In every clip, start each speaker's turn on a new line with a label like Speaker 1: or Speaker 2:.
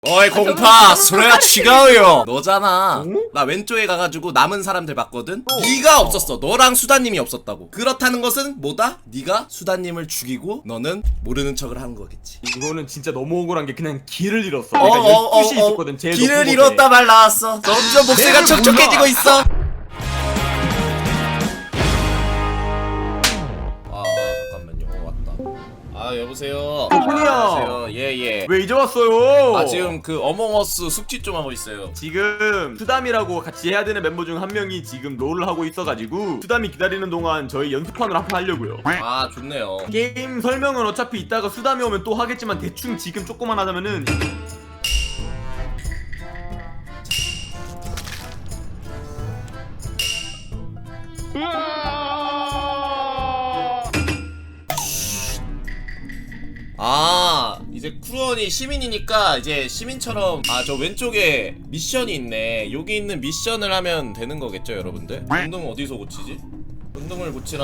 Speaker 1: 어이 공파 수레야 치가요 너잖아. 나 왼쪽에 가가지고 남은 사람들 봤거든. 네가 없었어. 너랑 수다님이 없었다고. 그렇다는 것은 뭐다? 네가 수다님을 죽이고 너는 모르는 척을 한 거겠지.
Speaker 2: 이거는 진짜 너무 억울한 게 그냥 길을 잃었어. 내가 12시 있었거든. 제일
Speaker 1: 길을
Speaker 2: 높은
Speaker 1: 잃었다
Speaker 2: 곳에.
Speaker 1: 말 나왔어. 점점 목소리가 촉촉해지고 있어. 잠깐만요. 왔다. 아 여보세요.
Speaker 2: 덕분이요.
Speaker 1: 안녕하세요. 예예.
Speaker 2: 왜 이제 왔어요?
Speaker 1: 아 지금 그 어몽어스 숙지 좀 하고 있어요.
Speaker 2: 지금 수담이라고 같이 해야 되는 멤버 중 한 명이 지금 롤을 하고 있어가지고 수담이 기다리는 동안 저희 연습판을 한판 하려고요.
Speaker 1: 아 좋네요.
Speaker 2: 게임 설명은 어차피 이따가 수담이 오면 또 하겠지만 대충 지금 조금만 하자면은
Speaker 1: 아 이제 쿠루언이 시민이니까 이제 시민처럼 아 저 왼쪽에 미션이 있네. 여기 있는 미션을 하면 되는 거겠죠 여러분들? 전등 어디서 고치지? 전등을 고치란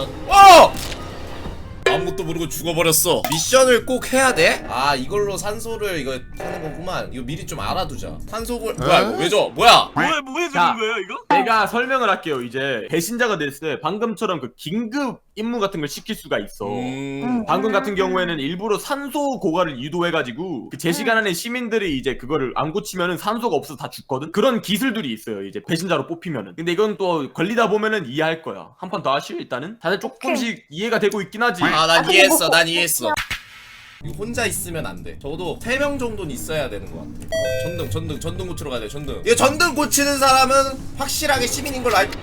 Speaker 1: 아무것도 모르고 죽어버렸어. 미션을 꼭 해야 돼? 아 이걸로 산소를 이거 하는 거구만. 이거 미리 좀 알아두자. 산소를 뭐야 이거 왜 줘? 뭐야?
Speaker 3: 뭐해
Speaker 2: 자,
Speaker 3: 주는 거예요 이거?
Speaker 2: 내가 설명을 할게요. 이제 배신자가 됐을 때 방금처럼 그 긴급 임무 같은 걸 시킬 수가 있어. 방금 같은 경우에는 일부러 산소 고갈을 유도해가지고 그 제 시간 안에 시민들이 이제 그거를 안 고치면은 산소가 없어서 다 죽거든. 그런 기술들이 있어요. 이제 배신자로 뽑히면은. 근데 이건 또 걸리다 보면은 이해할 거야. 한 판 더 하시오 일단은. 다들 조금씩 이해가 되고 있긴 하지.
Speaker 1: 아 난 이해했어. 난 이해했어. 이거 혼자 있으면 안 돼. 적어도 3명 정도는 있어야 되는 것 같아. 전등 고치러 가야 돼. 전등. 이 전등 고치는 사람은 확실하게 시민인 걸로 알.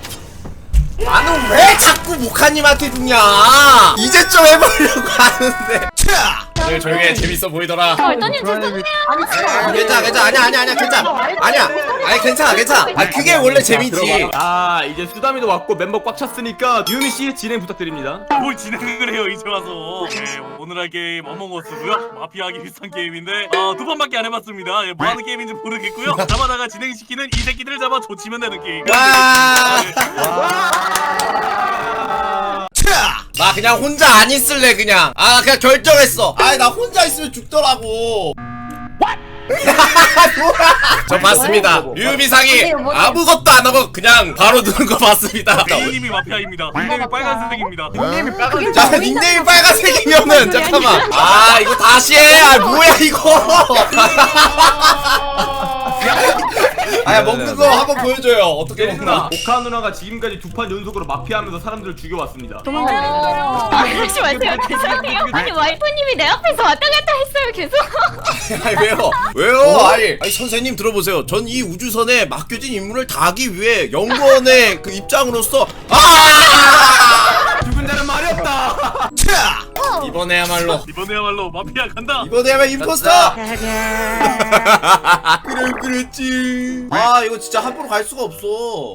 Speaker 1: 나는 왜 자꾸 모카님한테 죽냐? 이제 좀 해보려고 하는데. 네, 조용해. 재밌어 보이더라.
Speaker 4: 얼떠님 죄송해요.
Speaker 1: 괜찮아. 아니야. 괜찮아. 아니야. 아니 괜찮아. 아 그게 원래 재미지.
Speaker 2: 아 이제 수담이도 왔고 멤버 꽉 찼으니까 유미씨 진행 부탁드립니다.
Speaker 3: 뭘 진행을 해요 이제 와서. 네, 오늘 할 게임 어몽어스고요. 마피아하기 비슷한 게임인데 두 판밖에 안 해봤습니다. 뭐 하는 게임인지 모르겠고요. 잡아다가 진행시키는 이 새끼들을 잡아 조치면 되는 게임.
Speaker 1: 나 그냥 혼자 안 있을래 그냥. 아 그냥 결정했어. 아 나 혼자 있으면 죽더라고. 저 봤습니다. 류미상이 아무것도 안 하고 그냥 바로 누른 거 봤습니다.
Speaker 3: 닉네임이 마피아입니다. 닉네임이 빨간색입니다.
Speaker 2: 닉네임이 빨간색.
Speaker 1: 자 닉네임이 빨간색이면은 잠깐만. 아 이거 다시 해. 아 뭐야 이거. 아 먹는 거 한번 보여줘요. 어떻게 먹나?
Speaker 2: 오카 누나가 지금까지 2판 연속으로 마피아하면서 사람들을 죽여왔습니다.
Speaker 4: 그러지 마세요. 죄송해요. 아니 와이프님이 내 앞에서 왔다 갔다 했어요 계속.
Speaker 1: 아니 왜요? 아니 선생님 들어보세요. 전 이 우주선에 맡겨진 임무를 다 하기 위해 연구원의 그 입장으로서
Speaker 2: 죽은 자는 말이 없다.
Speaker 1: 이번에야말로
Speaker 3: 마피아 간다.
Speaker 1: 이번에야말로 임포스터. 그랬지. 아 이거 진짜 함부로 갈 수가 없어.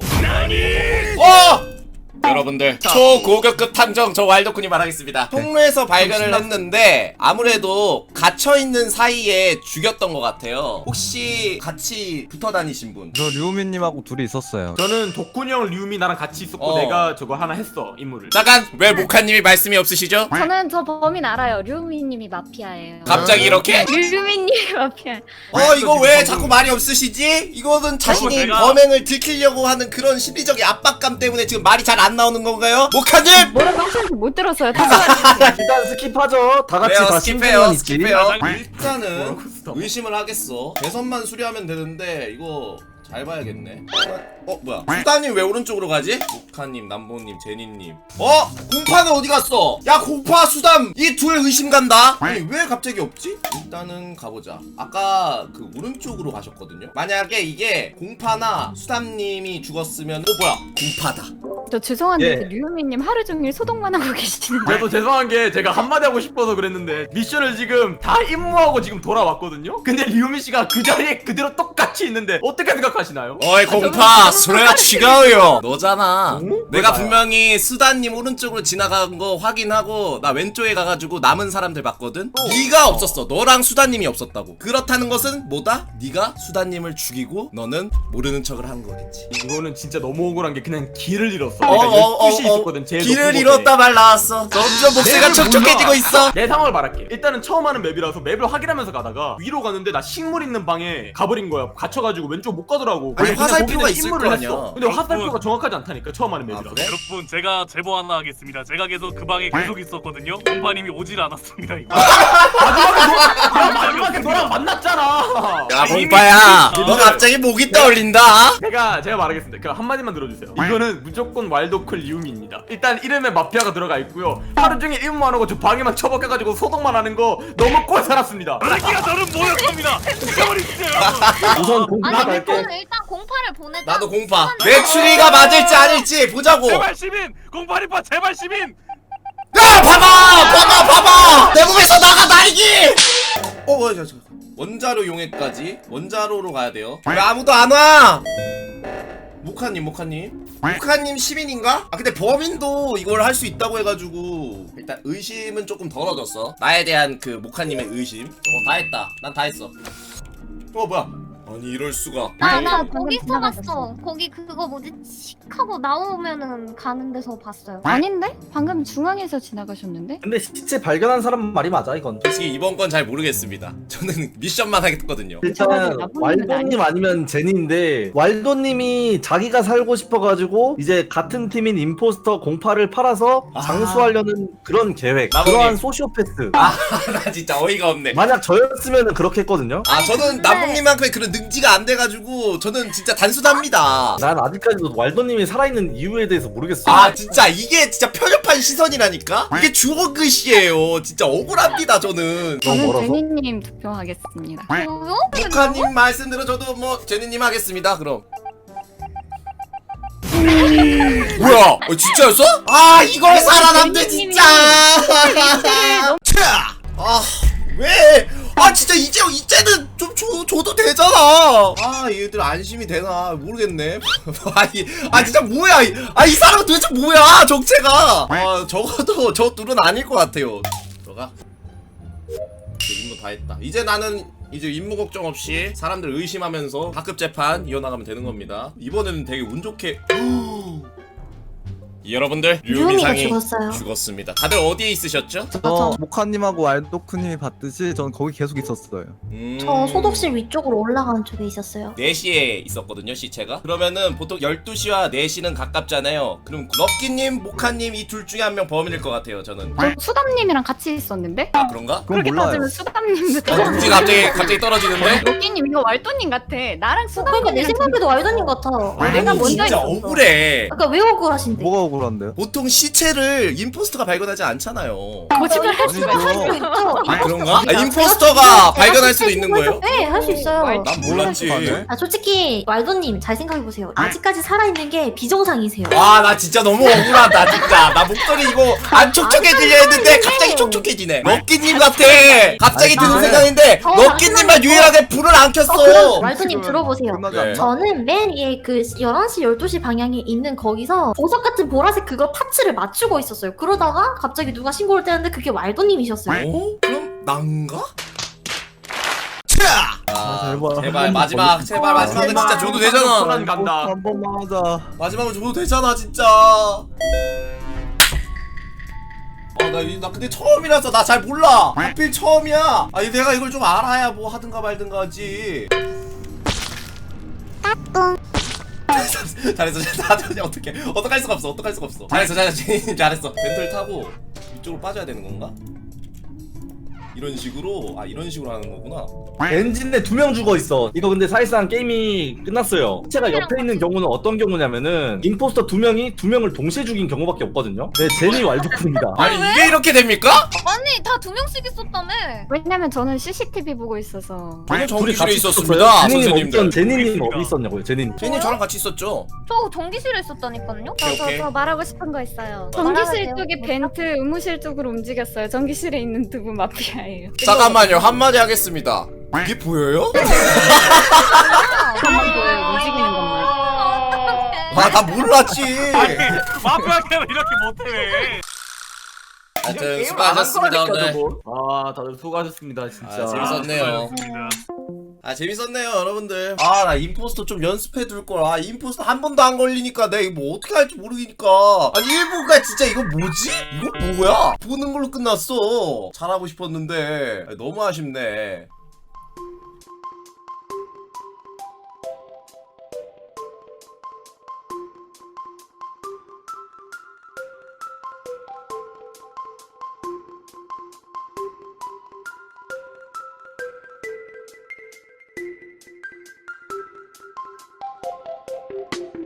Speaker 1: 여러분들 초고격급 탐정 저 와일드쿤이 말하겠습니다. 통로에서 발견을 했는데 아무래도 갇혀있는 사이에 죽였던 것 같아요. 혹시 같이 붙어 다니신 분?
Speaker 5: 저 류미님하고 둘이 있었어요.
Speaker 2: 저는 덕훈이 형, 류미 나랑 같이 있었고 내가 저거 하나 했어 임무를.
Speaker 1: 잠깐 왜 모카님이 말씀이 없으시죠?
Speaker 4: 저는 저 범인 알아요. 류미님이 마피아예요.
Speaker 1: 갑자기 이렇게?
Speaker 4: 류미님이 마피아.
Speaker 1: 이거 왜 자꾸 말이 없으시지? 이거는 자신이
Speaker 3: 제가-
Speaker 1: 범행을 들키려고 하는 그런 심리적인 압박감 때문에 지금 말이 잘 안 나오는 건가요? 모카님!
Speaker 4: 뭐라고 하시는지 못 들었어요.
Speaker 5: 일단 스킵하죠. 다 같이 다 심지어는 있지.
Speaker 1: 일단은 의심을 하겠어. 대선만 수리하면 되는데 이거 잘 봐야겠네. 뭐야? 수다님 왜 오른쪽으로 가지? 모카님, 남보님, 제니님. 공파는 어디 갔어? 야 공파, 수담 이 둘 의심 간다. 아니 왜 갑자기 없지? 일단은 가보자. 아까 그 오른쪽으로 가셨거든요. 만약에 이게 공파나 수담님이 죽었으면 뭐야? 공파다.
Speaker 4: 저 죄송한데
Speaker 5: 예.
Speaker 4: 그 류미님 하루 종일 소독만 하고 계시는데.
Speaker 2: 저도 죄송한 게 제가 한마디 하고 싶어서 그랬는데 미션을 지금 다 임무하고 지금 돌아왔거든요. 근데 류미 씨가 그 자리에 그대로 똑같이 있는데 어떻게 생각하세요? 말씀하시나요?
Speaker 1: 어이 공파 소리가 치가요 너잖아. 내가
Speaker 2: 나야?
Speaker 1: 분명히 수다님 오른쪽으로 지나간 거 확인하고 나 왼쪽에 가가지고 남은 사람들 봤거든. 네가 없었어. 너랑 수다님이 없었다고. 그렇다는 것은 뭐다? 네가 수다님을 죽이고 너는 모르는 척을 한 거겠지.
Speaker 2: 이거는 진짜 너무 억울한 게 그냥 길을 잃었어. 그러니까 12시 있었거든. 제일
Speaker 1: 길을
Speaker 2: 높은
Speaker 1: 잃었다
Speaker 2: 곳에.
Speaker 1: 말 나왔어. 점점 목소리가
Speaker 2: 맵을
Speaker 1: 촉촉해지고
Speaker 2: 몰라.
Speaker 1: 있어.
Speaker 2: 내 상황을 말할게. 일단은 처음 하는 맵이라서 맵을 확인하면서 가다가 위로 가는데 나 식물 있는 방에 가버린 거야. 갇혀가지고 왼쪽 못 가더라고.
Speaker 1: 아니,
Speaker 2: 그냥
Speaker 1: 화살표가
Speaker 2: 거기는
Speaker 1: 있을
Speaker 2: 임무를
Speaker 1: 거
Speaker 2: 했어.
Speaker 1: 아니야.
Speaker 2: 근데 화살표가 정확하지 않다니까 처음 하는 맵이라서.
Speaker 1: 그래?
Speaker 3: 여러분 제가 제보 하나 하겠습니다. 제가 계속 그 방에 계속 있었거든요. 공파님이 오질 않았습니다. 이거.
Speaker 2: 마지막에 너랑 만났잖아.
Speaker 1: 야 공파야 너 갑자기 목이 떠올린다.
Speaker 2: 제가 말하겠습니다. 그 한마디만 들어주세요. 이거는 무조건 왈도클 리움입니다. 일단 이름에 마피아가 들어가 있고요. 하루 종일 임무만 하고 저 방에만 처박혀가지고 소독만 하는 거 너무 꼴 살았습니다.
Speaker 3: 새끼가 저는 뭐였습니다. 죽여버리세요.
Speaker 5: 우선 공파
Speaker 4: 아니
Speaker 5: 갈게.
Speaker 4: 저는 일단 공파를 보내자.
Speaker 1: 나도 공파. 내 추리가 맞을지 아닐지 보자고.
Speaker 3: 제발 시민 공파리파 제발 시민.
Speaker 1: 야 봐봐 내 몸에서 나가 나이기. 뭐야 저 원자로 용해까지 원자로로 가야 돼요. 왜 아무도 안 와? 모카님 시민인가? 아 근데 범인도 이걸 할 수 있다고 해가지고 일단 의심은 조금 덜어졌어. 나에 대한 그 모카님의 의심. 다 했다. 난 다 했어. 뭐야? 아니 이럴 수가.
Speaker 4: 나
Speaker 6: 방금
Speaker 4: 거기서
Speaker 6: 지나갔어.
Speaker 4: 봤어. 거기 그거 뭐지? 칙 하고 나오면은 가는 데서 봤어요.
Speaker 6: 아닌데? 방금 중앙에서 지나가셨는데?
Speaker 5: 근데 시체 발견한 사람 말이 맞아 이건.
Speaker 1: 솔직히 이번 건 잘 모르겠습니다. 저는 미션만 하겠거든요.
Speaker 5: 일단
Speaker 6: 나쁜놈은
Speaker 5: 왈도님 아니면 제니인데 왈도님이 자기가 살고 싶어가지고 이제 같은 팀인 임포스터 공파를 팔아서
Speaker 1: 아.
Speaker 5: 장수하려는 그런 계획.
Speaker 1: 나머지.
Speaker 5: 그러한 소시오패스.
Speaker 1: 나 진짜 어이가 없네.
Speaker 5: 만약 저였으면 그렇게 했거든요.
Speaker 1: 저는
Speaker 4: 근데-
Speaker 1: 남봉님만큼의 그런 능지가 안 돼가지고 저는 진짜 단순합니다.
Speaker 5: 난 아직까지도 왈도님이 살아있는 이유에 대해서 모르겠어.
Speaker 1: 진짜 이게 진짜 편협한 시선이라니까? 이게 주어 글씨예요. 진짜 억울합니다 저는.
Speaker 5: 너무
Speaker 6: 저는
Speaker 5: 멀어서?
Speaker 6: 제니님 투표하겠습니다.
Speaker 4: 뭐요?
Speaker 1: 모카님 말씀대로 저도 뭐 제니님 하겠습니다. 그럼. 뭐야? 진짜였어? 이걸 살아남네 진짜. 왜? 진짜 이제는 좀 줘도 되잖아. 얘들 안심이 되나 모르겠네. 진짜 뭐야? 이 사람은 도대체 뭐야? 정체가. 적어도 저 둘은 아닐 것 같아요. 들어가. 임무 다 했다. 이제 나는 임무 걱정 없이 사람들 의심하면서 가급 재판 이어나가면 되는 겁니다. 이번에는 되게 운 좋게. 여러분들
Speaker 7: 유미가
Speaker 1: 류미상이
Speaker 7: 죽었어요.
Speaker 1: 죽었습니다. 다들 어디에 있으셨죠?
Speaker 7: 저
Speaker 8: 모카님하고 알도크님이 봤듯이 전 거기 계속 있었어요.
Speaker 7: 저 소독실 위쪽으로 올라가는 쪽에 있었어요.
Speaker 1: 4시에 있었거든요 시체가. 그러면은 보통 12시와 4시는 가깝잖아요. 그럼 럭키님, 모카님 이 둘 중에 한 명 범인일 것 같아요 저는.
Speaker 6: 저 수담님이랑 같이 있었는데?
Speaker 1: 그런가?
Speaker 8: 그건
Speaker 6: 그렇게
Speaker 8: 몰라요.
Speaker 6: 따지면 수담님부터.
Speaker 1: 눈치 갑자기 떨어지는데?
Speaker 6: 로끼님 이거 왈도님 같아. 나랑
Speaker 7: 그러니까 내
Speaker 6: 수담님이랑
Speaker 7: 생각에도 왈도님 같아.
Speaker 6: 내가 먼저
Speaker 1: 진짜
Speaker 6: 있었어.
Speaker 1: 억울해.
Speaker 7: 그러니까 왜 억울하신데?
Speaker 8: 뭐가 억울한데요?
Speaker 1: 보통 시체를 임포스터가 발견하지 않잖아요.
Speaker 6: 거짓말 할 수가
Speaker 7: 할 수 있죠.
Speaker 1: 그런가?
Speaker 7: 제가
Speaker 1: 임포스터가 발견할 수도
Speaker 7: 제가
Speaker 1: 있는 거예요?
Speaker 7: 네, 할 수 있어요.
Speaker 1: 난 몰랐지.
Speaker 7: 솔직히 왈도님 잘 생각해보세요. 아직까지 살아있는 게 비정상이세요.
Speaker 1: 나 진짜 너무 억울하다 진짜. 나 목소리 이거 안 촉촉해지려 했는데 갑자기 촉촉해지네. 럭키님 같아. 갑자기 드는 생각인데 럭키님만 유일하게 불을 안 켰어.
Speaker 7: 왈도님 들어보세요.
Speaker 8: 끝나지
Speaker 1: 네.
Speaker 8: 않나?
Speaker 7: 저는 맨 위에 그 11시, 12시 방향에 있는 거기서 보석 같은 보라색 그거 파츠를 맞추고 있었어요. 그러다가 갑자기 누가 신고를 떼는데 그게 왈도님이셨어요.
Speaker 1: 그럼 난가? 제발 마지막 제발 마지막은 진짜 줘도 되잖아.
Speaker 2: 소란 간다.
Speaker 8: 한 번만 하자.
Speaker 1: 마지막은 줘도 되잖아 진짜. 나 근데 처음이라서 나 잘 몰라. 하필 처음이야. 내가 이걸 좀 알아야 뭐 하든가 말든가 하지. 잘했어. 어떡할 수가 없어. 잘했어. 제니님 잘했어. 벤틀 타고 이쪽으로 빠져야 되는 건가? 이런 식으로 하는 거구나.
Speaker 5: 엔진에 2명 죽어 있어. 이거 근데 사실상 게임이 끝났어요. 시체가 옆에 있는 경우는 어떤 경우냐면은 임포스터 2명이 2명을 동시에 죽인 경우밖에 없거든요. 네, 제니 왈도쿤입니다.
Speaker 1: 이게 이렇게 됩니까?
Speaker 4: 아니 다 2명씩 있었다며.
Speaker 6: 왜냐면 저는 CCTV 보고 있어서.
Speaker 1: 저는
Speaker 5: 둘이
Speaker 1: 전기실에
Speaker 5: 같이
Speaker 1: 있었습니다 선생님들.
Speaker 5: 제니님 어디 있었냐고요, 제니님.
Speaker 1: 제니 저랑 같이 있었죠.
Speaker 4: 저 전기실에 있었다니까요.
Speaker 1: 오케이.
Speaker 6: 저 말하고 싶은 거 있어요.
Speaker 7: 말하세요.
Speaker 6: 전기실 쪽이 벤트 의무실 쪽으로 움직였어요. 전기실에 있는 두 분 마피아예요.
Speaker 1: 잠깐만요 한마디 하겠습니다. 이게 보여요?
Speaker 6: 한번 보여요. 움직이는 것만.
Speaker 1: 아 나 몰랐지.
Speaker 3: 아니 마피아 게임을 이렇게 못해.
Speaker 1: 하여튼 수고하셨습니다 오늘.
Speaker 2: 아 다들 수고하셨습니다 진짜.
Speaker 1: 아, 재밌었네요.
Speaker 3: 수고하셨습니다.
Speaker 1: 아 재밌었네요 여러분들. 아 나 임포스터 좀 연습해 둘걸. 아 임포스터 한 번도 안 걸리니까 내가 이거 뭐 어떻게 할지 모르니까. 아니 1부가 진짜 이거 뭐지? 이거 뭐야? 보는 걸로 끝났어. 잘하고 싶었는데 너무 아쉽네.